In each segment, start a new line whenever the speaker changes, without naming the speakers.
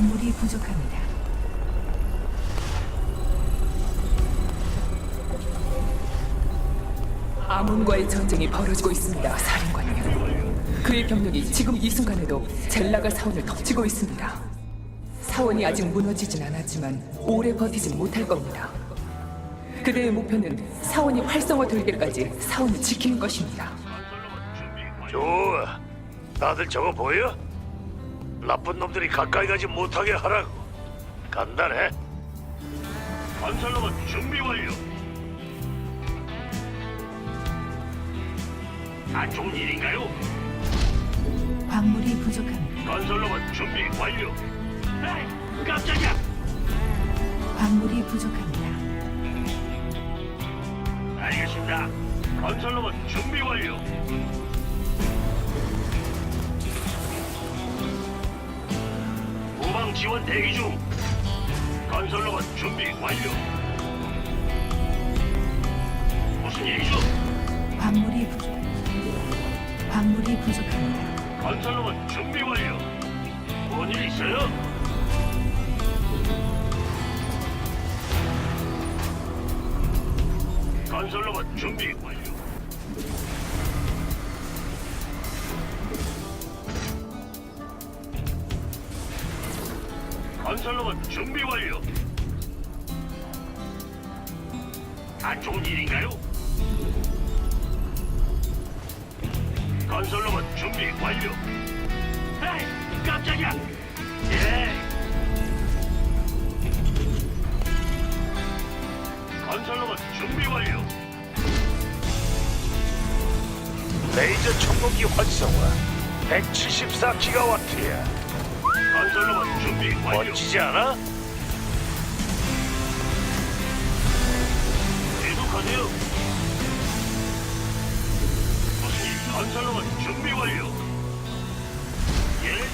광물이 부족합니다.
아몬과의 전쟁이 벌어지고 있습니다, 사령관님. 그의 병력이 지금 이 순간에도 젤라가 사원을 덮치고 있습니다. 사원이 아직 무너지진 않았지만 오래 버티진 못할 겁니다. 그대의 목표는 사원이 활성화될 때까지 사원을 지키는 것입니다.
좋아. 다들 저거 보여? 나쁜 놈들이 가까이 가지 못하게 하라고. 간단해. 건설로봇 준비 완료. 안 좋은 일인가요?
광물이 부족합니다.
건설로봇 준비 완료. 에이, 깜짝이야.
광물이 부족합니다.
알겠습니다. 건설로봇 준비 완료. 후방 지원 대기 중. 건설로봇 준비 완료. 무슨 일이죠?
광물이 부족합니다.
건설로봇 준비 완료. 뭔 일 있어요? 건설로봇 준비 완료. 건설로봇 준비 완료. 안 좋은 일인가요? 건설로봇 준비 완료. 에이, 깜짝이야. 예. 건설로봇 준비 완료. 레이저 청동기 활성화 174기가와트야. 건설로봇 준비 완료. 멋지지 않아? 계속하세요. 무슨 일? 건설로봇 준비 완료. 예?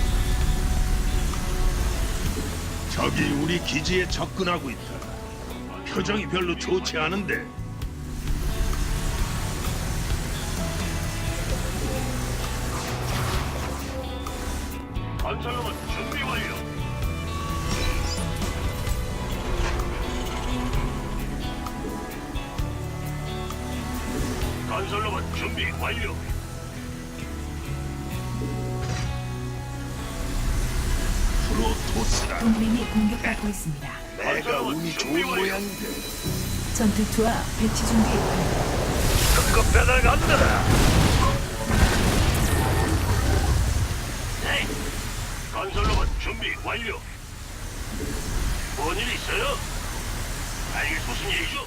적이 우리 기지에 접근하고 있다. 표정이 별로 좋지 않은데.
건설로봇 준비 완료. 건설로봇 준비 완료.
프로토스라.
동맹이 공격받고 있습니다.
내가 운이 좋은 모양인데.
전투투와 배치 준비 완료.
특급 배달 간다. 네. 건설로봇 준비 완료. 뭔 일 있어요? 이게 무슨 일이죠?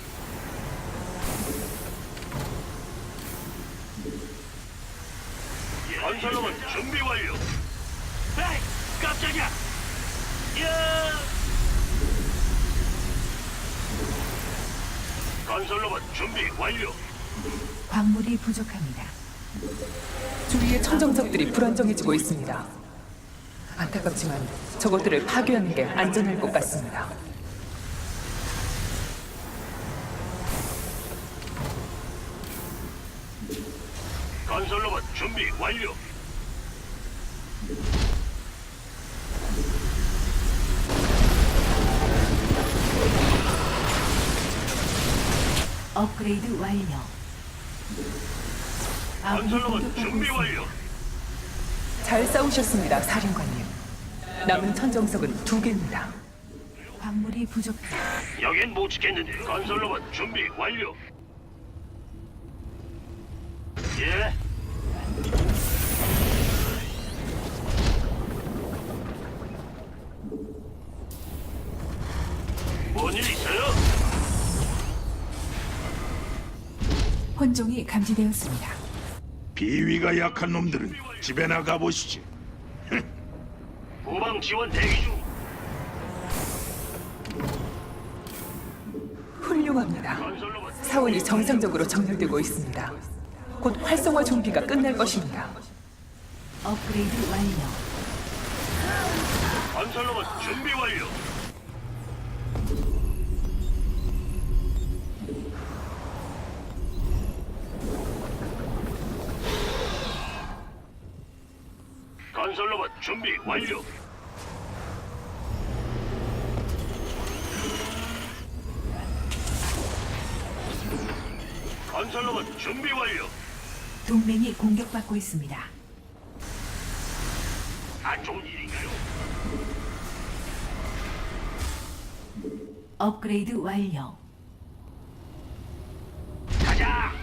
건설로봇 준비 완료. 에이, 깜짝이야. 야! 건설로봇 준비 완료.
광물이 부족합니다.
주위의 천정석들이 불안정해지고 있습니다. 안타깝지만 저것들을 파괴하는 게 안전할 것 같습니다.
건설로봇 준비 완료.
업그레이드 완료. 아군이
건설로봇
공격받고
준비
있습니다.
완료.
잘 싸우셨습니다, 사령관님. 남은 천정석은 2개입니다.
광물이 부족합니다.
여긴 못 지켰는데. 건설로봇 준비 완료. 예. 뭔 일 있어요?
혼종이 감지되었습니다.
비위가 약한 놈들은 집에 나가 보시지.
후방 지원 대기 중.
훌륭합니다.
건설로봇
사원이 정상적으로 정렬되고 있습니다. 곧 활성화 준비가 끝날 것입니다.
업그레이드 완료.
건설로봇 준비 완료. 건설로봇 준비 완료. 건설로봇 준비 완료.
동맹이 공격받고 있습니다.
안 좋은 일인가요?
업그레이드 완료.
가자.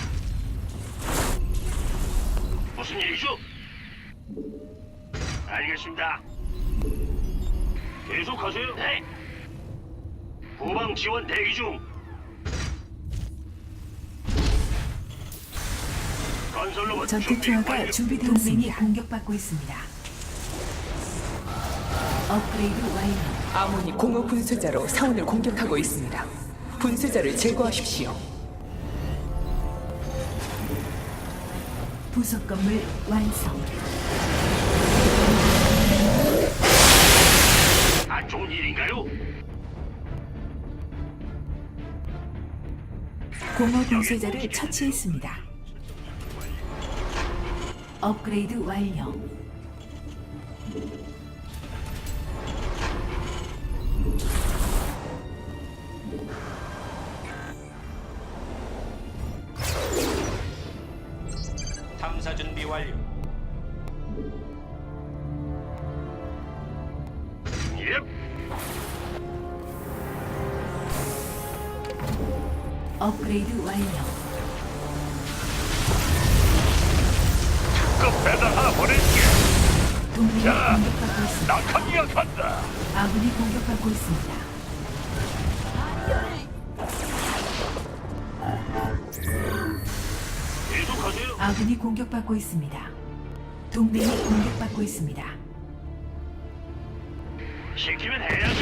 무슨 일이죠? 알겠습니다. 계속하세요. 네. 후방 지원 대기 중. 건설로봇
전투
준비
투하가
완료.
준비되었습니다. 동맹이 공격받고 있습니다. 업그레이드 완료.
아몬이 공허 분쇄자로 사원을 공격하고 있습니다. 분쇄자를 제거하십시오.
부속 건물 완성.
안 좋은 일인가요?
공허 분쇄자를 처치했습니다. 업그레이드 완료.
탐사 준비 완료.
예.
업그레이드 완료.
그 배달 하나 보낼게.
동맹이
자,
공격받고 있습니다.
낙하기가 간다.
아군이 공격받고 있습니다.
계속하세요.
아군이 공격받고 있습니다. 동맹이 공격받고 있습니다.
시키면 해야죠.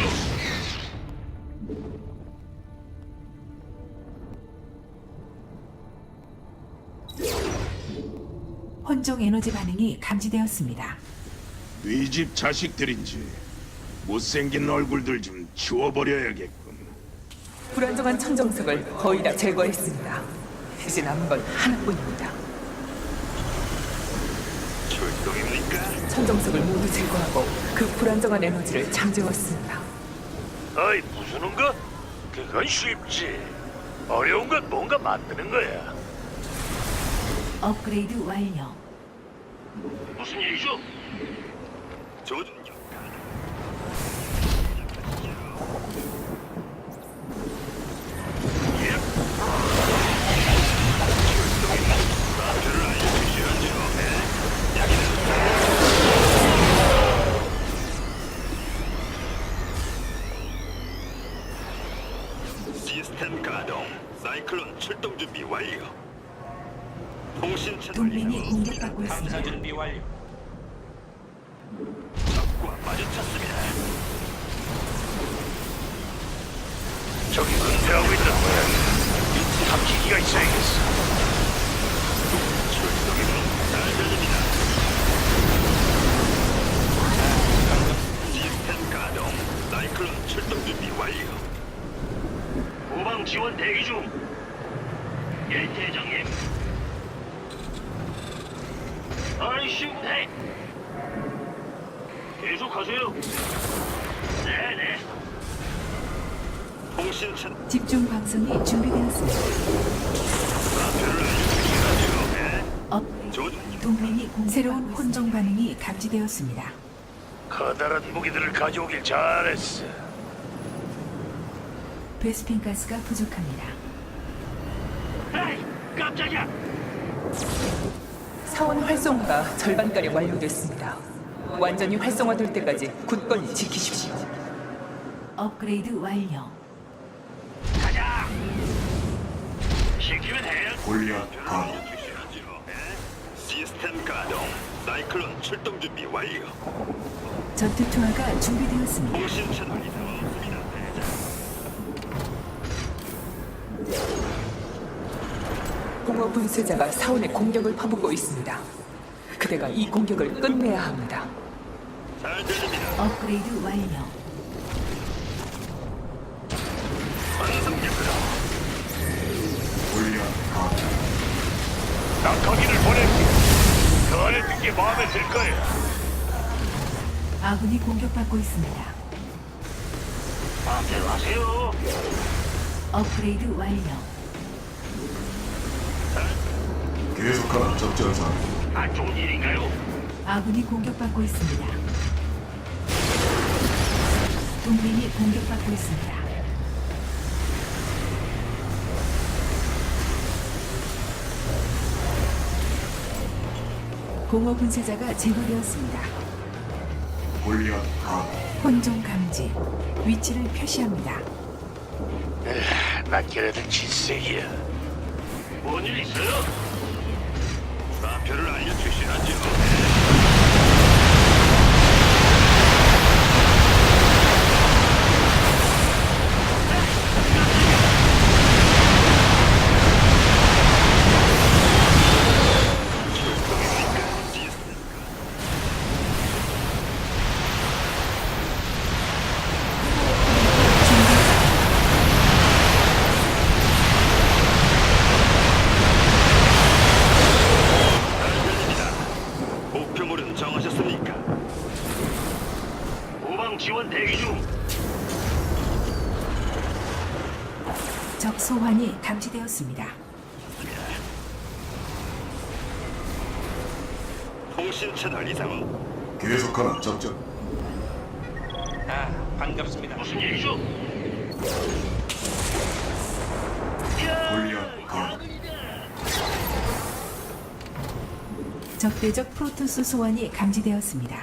혼종 에너지 반응이 감지되었습니다.
네 집 자식들인지 못생긴 얼굴들 좀 치워버려야겠군.
불안정한 천정석을 거의 다 제거했습니다. 이제 남은 건 하나뿐입니다.
출동입니까?
천정석을 모두 제거하고 그 불안정한 에너지를 잠재웠습니다.
어이, 부수는 거? 그건 쉽지. 어려운 건 뭔가 만드는 거야.
업그레이드 완료.
무슨 일이죠? 조준력.
시스템 가동. 사이클론 출동 준비 완료. 통신 채널
동맹이
이상.
공격받고
탐사
있습니다.
준비 완료.
적과 마주쳤습니다.
저기 근처하고 있는 거야. 탐지기가 있어야겠어.
출동이면 잘 들립니다. 시스템 가동. 사이클론 출동 준비 완료.
후방 지원 대기 중. 예, 대장님. 아이씨, 네. 계속하세요. 네네.
통신 채널.
집중 방송이 준비되었습니다. 업그레이드. 동맹이 새로운 혼종 반응이 감지되었습니다.
커다란 무기들을 가져오길 잘했어.
베스핀 가스가 부족합니다.
에이, 깜짝이야.
사원 활성화가 절반가량 완료됐습니다. 완전히 활성화될 때까지 굳건히 지키십시오.
업그레이드 완료.
가자. 시키면 해.
골리앗 가.
시스템 가동. 사이클론 출동 준비 완료.
전투 투하가 준비되었습니다.
통신 채널 이상 없습니다.
공허 분쇄자가 사원의 공격을 퍼붓고 있습니다. 그대가 이 공격을 끝내야 합니다.
잘 들립니다.
업그레이드 완료.
완성됩니다.
골리앗 가.
낙하기를 보낼게. 그 안에 든 게 마음에 들 거야.
아군이 공격받고 있습니다.
마음대로 하세요.
업그레이드 완료.
계속하라 적전사.
안 좋은 일인가요?
아군이 공격받고 있습니다. 동맹이 공격받고 있습니다. 공허 분쇄자가 제거되었습니다.
골리앗 가.
혼종 감지. 위치를 표시합니다.
난 걔네들 질색이야.
뭔 일 있어요? 좌표를 알려주시라죠. 목표물은 정하셨습니까? 후방 지원 대기 중.
적 소환이 감지되었습니다.
통신 채널 이상은
계속하라 적전.
아, 반갑습니다.
무슨 일이죠?
골리앗 가.
적대적 프로토스 소환이 감지되었습니다.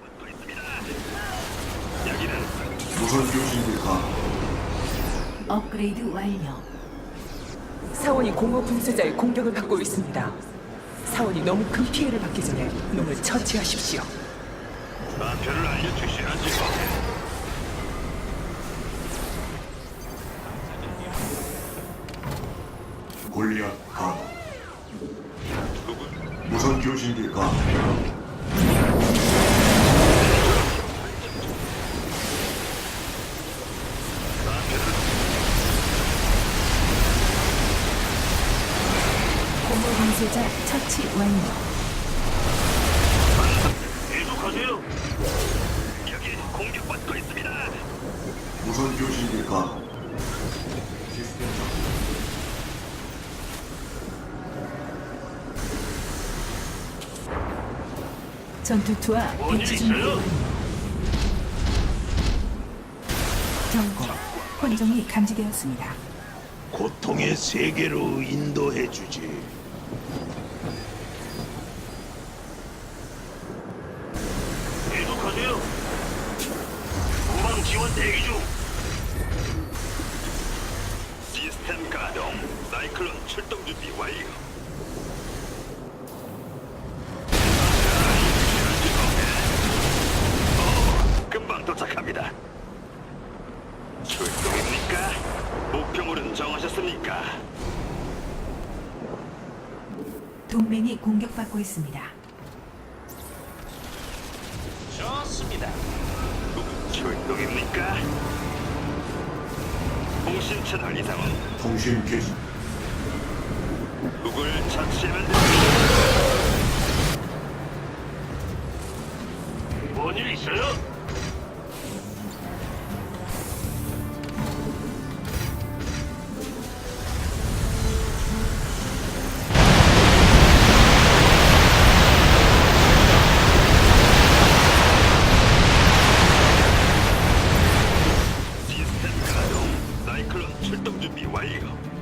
여기는
무선 교신기 가.
업그레이드 완료.
사원이 공허 분쇄자의 공격을 받고 있습니다. 사원이 너무 큰 피해를 받기 전에 놈을 처치하십시오.
좌표를 알려주시라죠.
골리앗 가. 무선 교신기 가.
공허 분쇄자 처치 완료.
계속하세요. 여기 공격받고 있습니다.
무선 교신기 가. 시스템
전투투와
뭔일
배치 준비
있어요?
완료. 경고. 혼종이 감지되었습니다.
고통의 세계로 인도해 주지.
계속하세요. 후방 지원 대기 중. 시스템 가동. 사이클론 출동 준비 완료. 금방 도착합니다. 출동입니까? 목표물은 정하셨습니까?
동맹이 공격받고 있습니다.
좋습니다.
출동입니까? 통신 채널 이상은
통신 개시.
누굴 처치하면 됩니다. 뭔일 있어요? 시스템 가동. 사이클론 출동 준비 완료.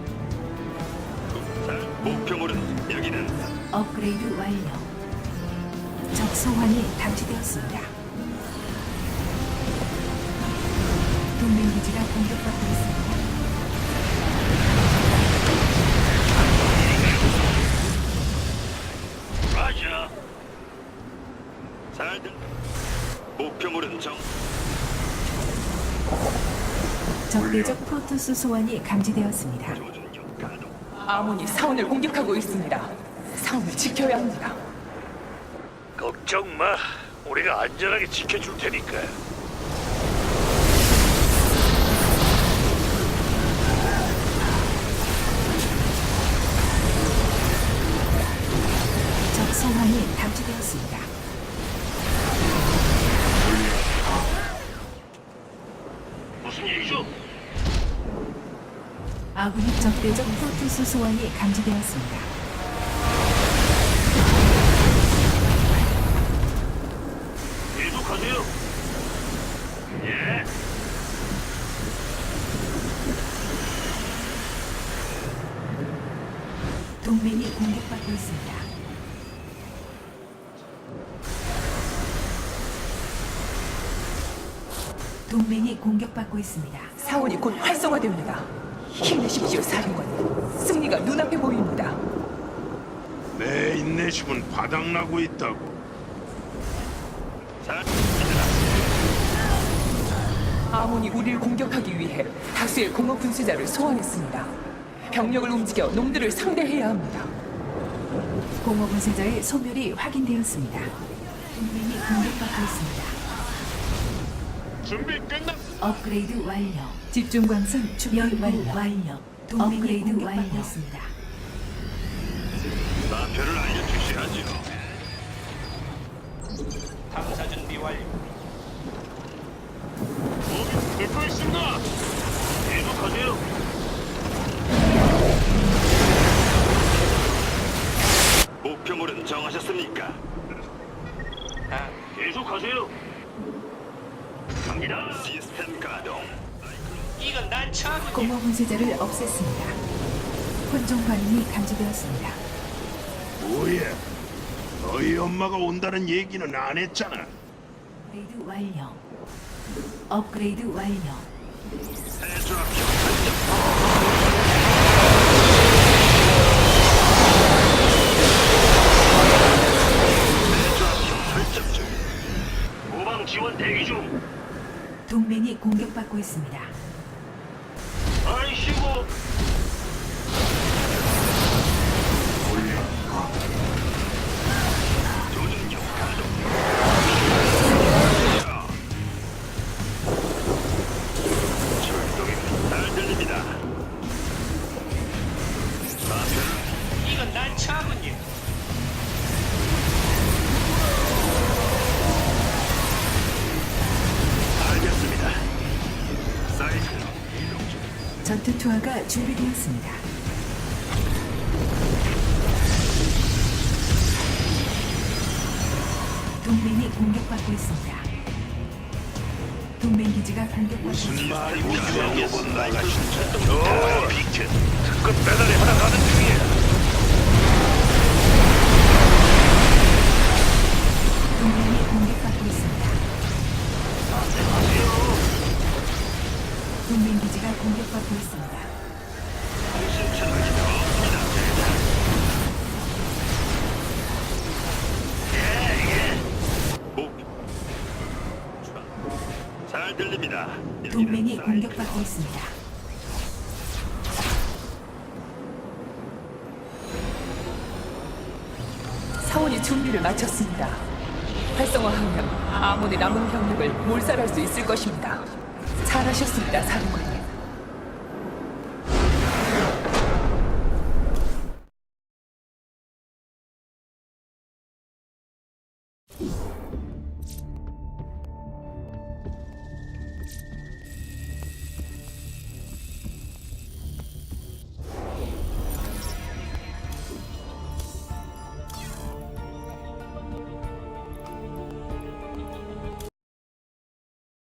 자, 목표물은 여기는
업그레이드 완료. 적 소환이 감지되었습니다. 동맹 기지가 공격받고 있습니다.
라자. 잘 들. 목표물은 정.
적대적 프로토스 소환이 감지되었습니다.
조준력 가동.
아몬이 사원을 공격하고 있습니다. 사원을 지켜야 합니다.
걱정 마. 우리가 안전하게 지켜줄 테니까.
적 소환이 감지되었습니다.
무슨 일이죠?
아군이 적대적 프로토스 소환이 감지되었습니다. 동맹이 공격받고 있습니다. 동맹이 공격받고 있습니다.
사원이 곧 활성화됩니다. 힘내십시오, 사령관님. 승리가 눈앞에 보입니다.
내 인내심은 바닥나고 있다고.
아몬이 우리를 공격하기 위해 다수의 공허 분쇄자를 소환했습니다. 병력을 움직여 놈들을 상대해야 합니다.
공허 분쇄자의 소멸이 확인되었습니다. 동맹이 공격받고 있습니다.
준비 끝났.
업그레이드 완료. 집중 광선 연구 완료. 동맹이 공격받고 있습니다.
좌표를 알려주셔야죠.
탐사 준비 완료.
듣고 있습니다. 계속하세요. 목표물은 정하셨습니까?
아,
계속하세요. 갑니다. 시스템 가동.
이건 난처하군요.
공허 분쇄자를 없앴습니다. 혼종 반응이 감지되었습니다.
뭐야? 너희 엄마가 온다는 얘기는 안 했잖아.
업그레이드 완료. 업그레이드 완료.
대조합표 설정 중. 후방 지원 대기 중.
동맹이 공격받고 있습니다.
아이씨고.
골리앗 가.
조준경 가동. 출동입니다. 잘 들립니다. 좌표를
이건 난처하군요.
알겠습니다. 사이클 이동 중.
전투 투하가 준비되었습니다. 동맹이 공격받고 있습니다. 동맹 기지가 공격받고 있습니다.
우주왕국은 나가신
저 비트 특급 배달이 하나 가는 중이야.
동맹이 공격받고 있습니다. 동맹 기지가 공격받고 있습니다.
잘 들립니다.
동맹이 공격받고 있습니다.
사원이 준비를 마쳤습니다. 활성화하면 아몬의 남은 병력을 몰살할 수 있을 것입니다. 잘하셨습니다, 사령관님.